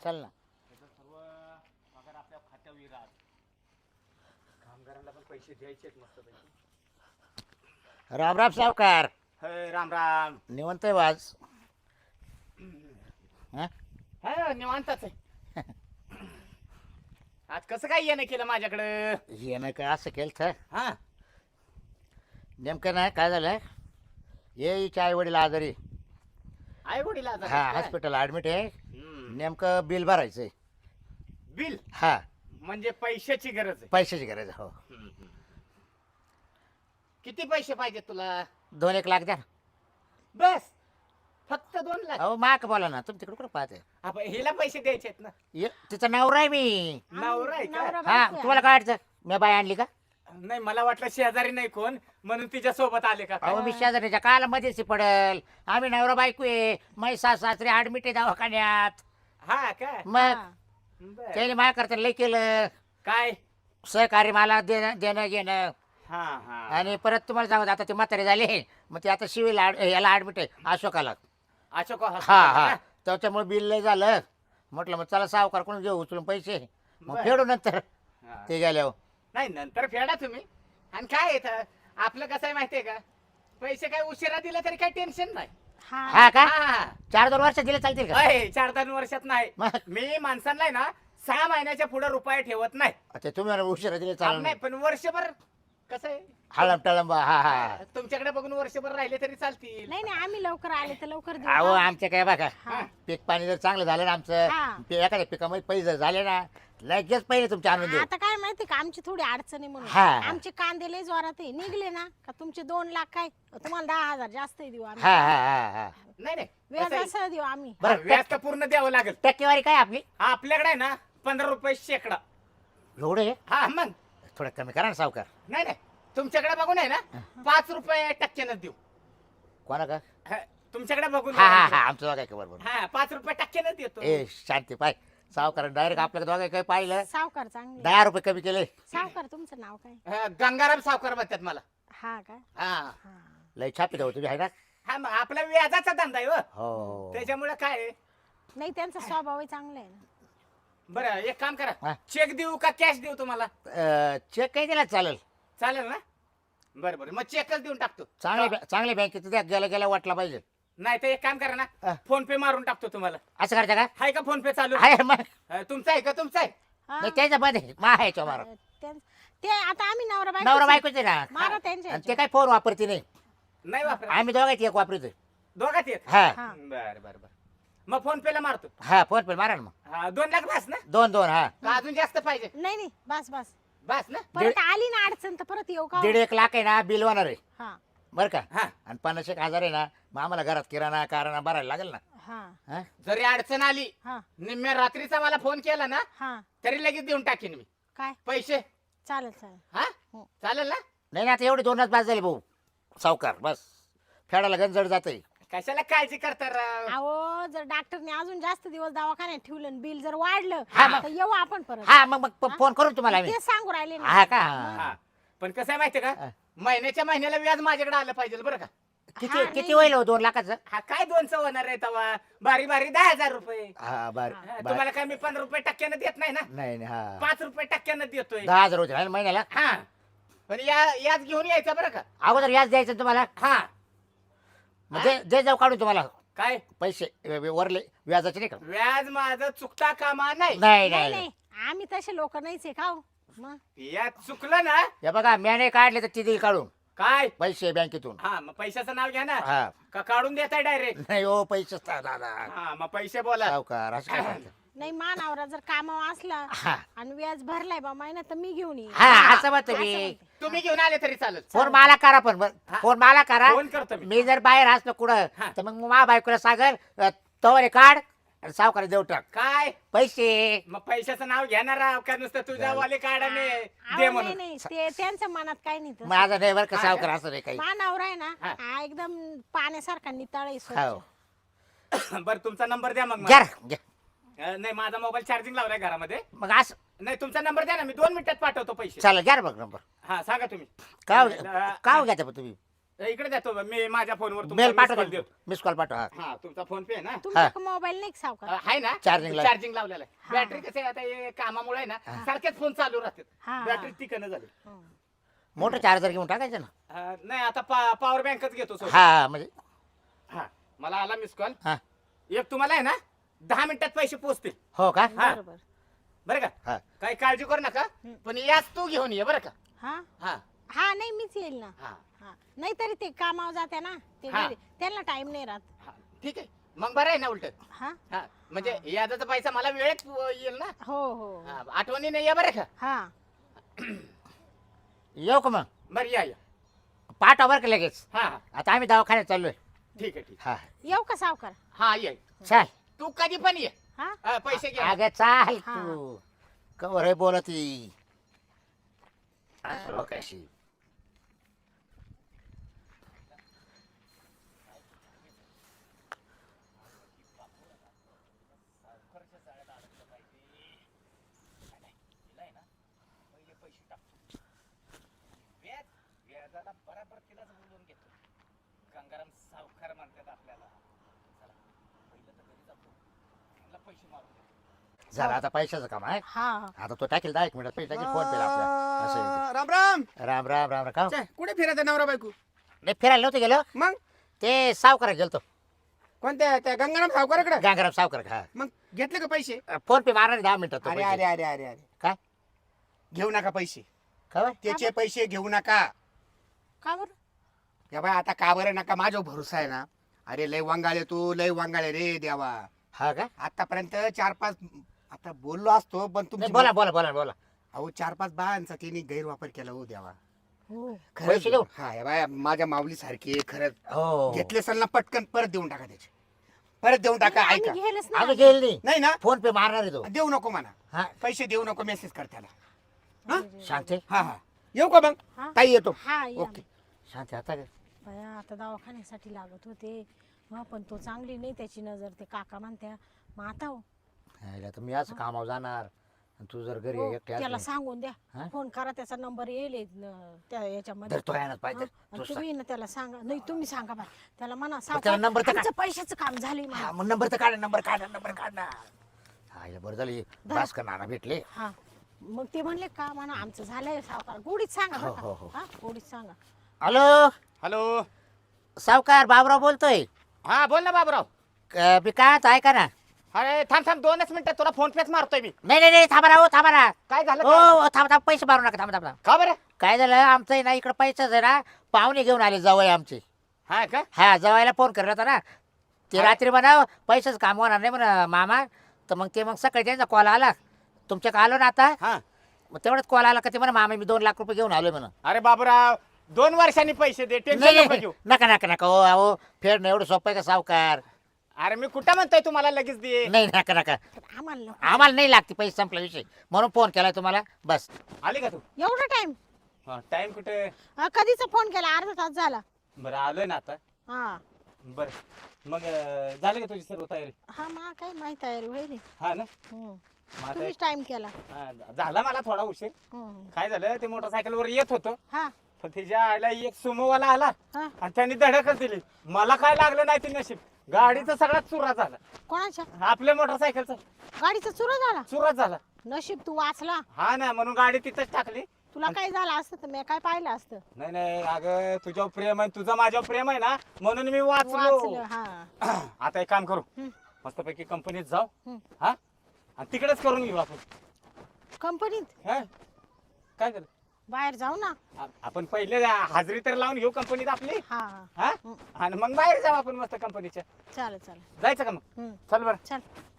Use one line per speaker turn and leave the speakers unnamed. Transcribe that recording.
चल ना.
त्याचं सर्व पगार आपल्या खात्यावर येईल आज. कामगारांना पण पैसे द्यायचे आहेत मस्त पैकी.
राम राम सावकार.
राम राम.
निवंत आहे वाज.
हा निवांतच आहे. आज कसं काय येणं केलं माझ्याकडं?
येणं काय असं केलं तर
हा
नेमकं नाही काय झालं. ये हिचे आई वडील आजारी.
आई वडील आज
हा हॉस्पिटल ऍडमिट आहे. नेमकं बिल भरायचंय.
बिल
हा
म्हणजे पैशाची गरज आहे.
पैशाची गरज आहे. हो
किती पैसे पाहिजे तुला?
2-1 लाख द्या.
बस फक्त 2 लाख?
अहो माक बोला ना. तुम्ही तिकडे कुठं पाहते.
आपण हिला पैसे द्यायचे आहेत ना.
तिचं नवरा आहे मी.
नवरा आहे का?
हा तुम्हाला काय वाटतं मी बाई आणली का?
नाही मला वाटलं शेजारी नाही कोण म्हणून तिच्या सोबत आले का?
अहो मी शेजारीच्या काला मध्येच पडेल. आम्ही नवरा बायको आहे. मै सासरे ऍडमिट आहे दवाखान्यात.
हा का?
मग
बरं.
त्याने माझ्या करता लय केलं.
काय?
सहकार्य मला देणं घेणं.
हा हा
आणि परत तुम्हाला सांगत आता ते म्हातारे झाले. मग ते आता शिवील याला ऍडमिट आहे अशोकाला.
अशोक
हा
hospital
हा
का?
त्याच्यामुळे बिल लय झालं. म्हटलं मग चला सावकार कोण घेऊ उचलून पैसे. मग
बरं.
फेडू नंतर
हा.
ते गेल्यावर.
नाही नंतर फेडा तुम्ही. आणि काय येतं आपलं कसं आहे माहितीये का? पैसे काय उशिरा दिले तरी काही टेन्शन नाही.
हा का
हा
4-2 वर्ष दिले चालतील का?
4-10 वर्षात नाही.
मग
मी माणसांना आहे ना 6 महिन्याच्या पुढे रुपये ठेवत नाही.
अच्छा तुम्ही म्हणा उशिरा दिले चालेल.
नाही पण वर्षभर कसं आहे
हळम टळंब. हा हा
तुमच्याकडे बघून वर्षभर राहिले तरी चालतील.
नाही नाही आम्ही लवकर आले तर लवकर देऊ.
अहो आमच्या काय बघा
हा.
पीक पाणी जर चांगलं झालं ना आमचं
हा.
एखाद्या पिकामध्ये पैसे जर झाले ना लगेच पहिले तुमचे आणून देऊ.
आता काय माहिती का आमची थोडी अडचण आहे म्हणून
हा.
आमचे कांदे लय जोरात आहे. निघले ना का तुमचे 2 लाख काय तुम्हाला 10,000 जास्त देऊ आम्ही.
हा हा हा हा
नाही नाही
व्याज
कसं आहे,
असं देऊ आम्ही.
बरं
व्याज तर पूर्ण द्यावं लागेल.
टक्केवारी काय आपली
आपल्याकडे आहे ना 15 रुपये शेकडा.
एवढे
हा मग
थोडं कमी करा ना सावकार.
नाही नाही तुमच्याकडे बघून आहे ना 5 रुपये टक्क्यानं देऊ.
कोणा का?
हा, तुमच्याकडे बघून
हा हा हा आमचं दोघा काय बरोबर.
हा 5 रुपये टक्क्यानं देतो.
ए शांती पाय सावकार डायरेक्ट आपल्याला दोघा काय पाहिलं
सावकार चांगले
10 रुपये कमी केले.
सावकार तुमचं नाव काय?
गंगाराम सावकार म्हणतात मला.
हा का?
हा
हा.
लय छापी जाऊ तुम्ही आहे ना.
हा मग आपला व्याजाचा धंदा आहे हो.
हो
त्याच्यामुळे काय आहे?
नाही त्यांचा स्वभावही चांगला आहे ना.
बरं एक काम
हा.
करा चेक देऊ का कॅश देऊ तुम्हाला?
चेक काही दिला चालेल.
चालेल ना? बरं बरं मग चेकच देऊन टाकतो.
चांगल्या बँकेत द्या गेला गेला वाटला पाहिजे.
नाही तर एक काम करा
हा.
ना फोन पे मारून टाकतो तुम्हाला.
असं करता का?
आहे का फोन पे चालू?
आहे मग
तुमचा आहे का तुमचा आहे?
हा.
नाही त्याच्या मध्ये माहायच्या मारा
ते आता आम्ही नवरा
नवरा बायकोच आहे ना.
मारा त्यांच्या
आणि ते काय फोन वापरते नाही.
नाही वापर
आम्ही दोघांची एक वापरतोय.
दोघात येत.
हा
हा.
बरं बरं बरं मग फोन पे ला मारतो.
हा फोन पे मारा ना मग.
हा 2 लाख बस ना?
2 हा
का अजून जास्त पाहिजे?
नाही नाही बस बस
बस ना?
परत आली ना अडचण तर परत येऊ का?
1.5 लाख आहे ना बिल होणार आहे
हा
बरं का.
हा
आणि 50,000 आहे ना मग आम्हाला घरात किराणा कारणा भरायला लागेल ना.
हा
हा?
जरी अडचण आली
हा
निम्म्या रात्रीचा मला फोन केला ना
हा
तरी लगेच देऊन टाकीन मी
काय
पैसे.
चालेल चालेल.
हा
हो.
चालेल ना?
नाही ना आता एवढे 2च बाद झाले भाऊ सावकार बस फेडायला गंजड जाते.
कशाला काळजी करता राव?
अहो जर डॉक्टरने अजून जास्त दिवस दवाखान्यात ठेवलं आणि बिल जर वाढलं
हा, मग.
तर येऊ आपण परत.
हा मग फोन करू तुम्हाला आम्ही.
ते सांगू राहिले ना.
हा का
हा पण कसं आहे माहितीये
हा.
का महिन्याच्या महिन्याला व्याज माझ्याकडे आलं पाहिजे बरं का?
किती
हा,
किती
नाही.
होईल हो 2 लाखाचं?
हा काय 200 होणार आहे तवा बारी बारी 10,000 रुपये.
हा बर
हा, तुम्हाला काय मी 15 रुपये टक्क्यानं देत नाही ना?
नाही नाही, हा
5 रुपये टक्क्यानं देतोय.
10,000 होते ना महिन्याला.
हा पण याच घेऊन यायचं बरं का?
अगोदर व्याज द्यायचं तुम्हाला.
हा
मग दे जाऊ काढून तुम्हाला
काय
पैसे वरले व्याजाचे नाही का.
व्याज माझं चुकता कामा नाही.
नाही
नाही
नाही
नाही आम्ही तसे लोक नाहीच आहे का हो? मग
या चुकलं ना
हे बघा म्याने काढले तर ती देईल काढून
काय?
पैसे बँकेतून.
हा मग पैशाचं नाव घ्या ना.
हा
का काढून देताय डायरेक्ट?
नाही हो पैसे दादा
हा मग पैसे बोला.
सावकार असं काय करता?
नाही मानावरा जर कामावर असला
हा
आणि व्याज भरलाय बा महिना तर मी घेऊन येईन.
हा असं मत
असं
मी.
म्हणते.
तुम्ही घेऊन आले तरी चालेल.
फोन मला करा पण
हा.
फोन मला करा.
फोन करतो मी.
मी जर बाहेर असलो कुठं
हा.
तर मग मा बायकोला सांगल तवरे काढ आणि सावकार देऊ टाक
काय
पैसे.
मग पैशाचं नाव घेणार राव का नुसतं तुझ्या वाले काढाने
अहो,
दे
नाही
म्हणून?
नाही ते त्यांच्या मनात काही नाही तसं.
माझा नाही बरं का
हा
सावकार
का?
असं नाही काही.
मानावर आहे ना
हा.
हा एकदम पाण्यासारखा नितळ आहे स्वच्छ.
हो
बरं तुमचा नंबर द्या मग
घ्या
मला.
रे, घ्या.
नाही माझा मोबाईल चार्जिंग लावलाय घरामध्ये.
मग असं
नाही तुमचा नंबर द्या ना मी 2 मिनिटात पाठवतो पैसे.
चालेल घ्या रे बघ नंबर.
हा सांगा तुम्ही.
काय
अं,
काय घ्यायचं पण तुम्ही.
इकडे देतो मी माझ्या फोनवर
मेल पाठवतो मिस कॉल पाठव हा.
हा तुमचा फोन पे आहे ना
तुमचा मोबाईल नाही का सावकार
आहे ना
Charging ला.
चार्जिंग लावलेला आहे
हा.
बॅटरी कसे आता हे कामामुळे आहे ना सारखेच फोन चालू राहतात
हा.
बॅटरी टिकणं झाली
हं.
मोठं चार्जर घेऊन टाकायचं ना
नाही आता पॉवर बँकच घेतो सोबत.
हा म्हणजे
हा मला आला मिस कॉल
हा
एक तुम्हाला आहे ना 10 मिनिटात पैसे पोहोचतील
हो का
हा.
बरोबर
बरं का
हा
काही काळजी करू नका पण याच तू घेऊन ये बरं का
हा
हा
हा नाही मीच येईल ना
हा
हा नाही तरी ते कामावर जाते ना ते
हा.
घरी त्यांना टाइम नाही राहत
हा ठीक आहे मग बरं आहे ना उलट
हा
हा म्हणजे याचा पैसा मला वेळेत येईल ना
हो हो
हा, आठवणीने या बरं का
हा
येऊ का मग
बरं या या
पाठव बरं का लगेच
हा हा
आता आम्ही दवाखान्यात चाललोय
ठीक आहे ठीक
हा
येऊ का सावकार
हा ये
चाल
तू कधी पण ये
हा
हा, पैसे घे
अगं चाल
हा.
तू कवर आहे बोलती कशी
व्याजाला बराबर तिलाच बोलून घेतो गंगाराम सावकार म्हणतात आपल्याला चला पहिलं तर घरी जातो त्यांना पैसे मारून देतो.
झालं आता पैशाचं काम आहे
हा
आता तो टाकेल 10 मिनिटात पैसे टाकेल फोन पेला आपल्या असं आहे
राम राम
ते. राम राम राम राम का
छे, कुठे फिरायचं नवरा बायको
नाही फिरायला नव्हतं गेलो
मग
ते सावकार गेलतो
कोणत्या त्या गंगाराम सावकाराकडे
गांगराम सावकार हा
मग घेतले का पैसे
फोन पे मारणार 10 मिनिटात तो
अरे
पैसे.
अरे अरे अरे अरे
काय
घेऊ नका पैसे
खबर
त्याचे पैसे घेऊ नका
का बरं
या बाय आता का बरं नका माझा भरोसा आहे ना अरे लय वांगाळे तू लय वांगाळे रे देवा
हा का
आतापर्यंत 4-5 आता बोललो असतो पण
नाही,
तुमची
बोला बोला बोला बोला
अहो 4-5 बायांचा तिने गैरवापर केला हो देवा
हो
पैसे देऊ?
हा या बाय माझ्या माऊली सारखी खरंच
हो
घेतले असेल ना पटकन परत देऊन टाका त्याचे परत देऊन टाका ऐका
आम्ही घेलच
अगं
नाही
गेल नाही
नाही ना
फोन पे मारणार आहे तो
देऊ नको म्हणा
हा
पैसे देऊ नको मेसेज कर त्याला हा
शांती
हा हा येऊ का मग
हा
ताई येतो
हा या.
ओके
शांती आता काय?
बया आता दवाखान्यासाठी लागत होते हा पण तो चांगली नाही त्याची नजर ते काका म्हणत्या मग आता हो.
यायला तर मी असं कामावर जाणार आणि तू जर घरी
हो,
एकटी
त्याला
असली,
सांगून द्या
हा?
फोन करा त्याचा नंबर येईल त्या याच्यामध्ये
तर तो यायलाच पाहिजे
हा, आणि
तू
तुम्ही ना त्याला सांगा नाही तुम्ही सांगा बा त्याला म्हणा
त्याला
सावकार,
नंबर तर
आमचं पैशाचं काम झालंय
हा,
मला
मग नंबर तर काढ नंबर काढ ना हा हे बरं झालं भास्कर नाना भेटले
हा मग ते म्हणले का म्हणा आमचं झालंय सावकार गोडीत सांगा बरं
हो, हो,
का? हा गोडीत सांगा
हॅलो
हॅलो
सावकार बाबराव बोलतोय
हा बोल ना बाबूराव
मी काय आता ऐका ना
अरे थांब 2च मिनिटात तुला फोन पेच मारतोय मी
नाही थांबा ना हो थांबा ना
काय झालं
हो
काय?
हो, थांबा पैसे मारू नका थांबा
का बरं
काय झालं आमचं आहे ना इकडं पैसाच आहे ना पाहुणे घेऊन आले जवळ आमचे
हा का
हा जवायला फोन करला होता ना ते रात्री म्हणा पैसेच काम होणार नाही म्हणा मामा तर मग ते मग सकाळी त्यांचा कॉल आला तुमच्याकडे आलो ना आता
हा
मग तेवढंच कॉल आला का ते म्हणा मामा मी 2 लाख रुपये घेऊन आलोय म्हणा
अरे बाबूराव 2 वर्षांनी पैसे दे
नाही
टेन्शन नको
नाही,
घेऊ
नका नका नका हो अहो फेडणं एवढं सोपं आहे का सावकार
अरे मी कुठं म्हणतोय तुम्हाला लगेच दे
नाही नका नका
पण आम्हाला नको.
आम्हाला नाही लागते पैसे संपला विषय म्हणून फोन केलाय तुम्हाला बस
आली का तू
एवढा टाइम
टाइम कुठे
कधीचा फोन केला अर्धा तास झाला
बरं आलोय ना आता
हा
बरं मग झाली का तुझी सर्व तयारी
हा मा काय माहित आहे रे वैरी
हा ना
हम्म.
मग आता
तुम्हीच टाइम केला
हा, झाला मला थोडा उशीर
हम्म.
काय झालं ते मोटरसायकलवर येत होतो
हा
पण तिच्या आईला एक सुमोवाला आला
हा
आणि त्यांनी धडकच दिली मला काय लागलं नाही ते नशीब गाडीचा सगळा चुरा झाला
कोणाच्या
आपल्या मोटरसायकलचा
गाडीचा चुरा झाला
चुरा झाला
नशीब तू वाचला
हा ना म्हणून गाडी तिथंच टाकली
तुला काय झालं असतं तर मी काय पाहिलं असतं
नाही नाही अगं तुझ्यावर प्रेम आहे तुझं माझ्यावर प्रेम आहे ना म्हणून मी वाचलो
वाचलं हा
आता एक काम करू
हम्म.
मस्तपैकी कंपनीत जाऊ
हम्म.
हा आणि तिकडेच करून घेऊ आपण
कंपनीत
हा काय झालं
बाहेर जाऊ ना
आपण पहिले हाजरी तर लावून घेऊ कंपनीत आपली
हा
हा आणि मग बाहेर जाऊ आपण मस्त कंपनीच्या
चालेल चालेल
जायचं का मग
हम्म.
चल बरं
चल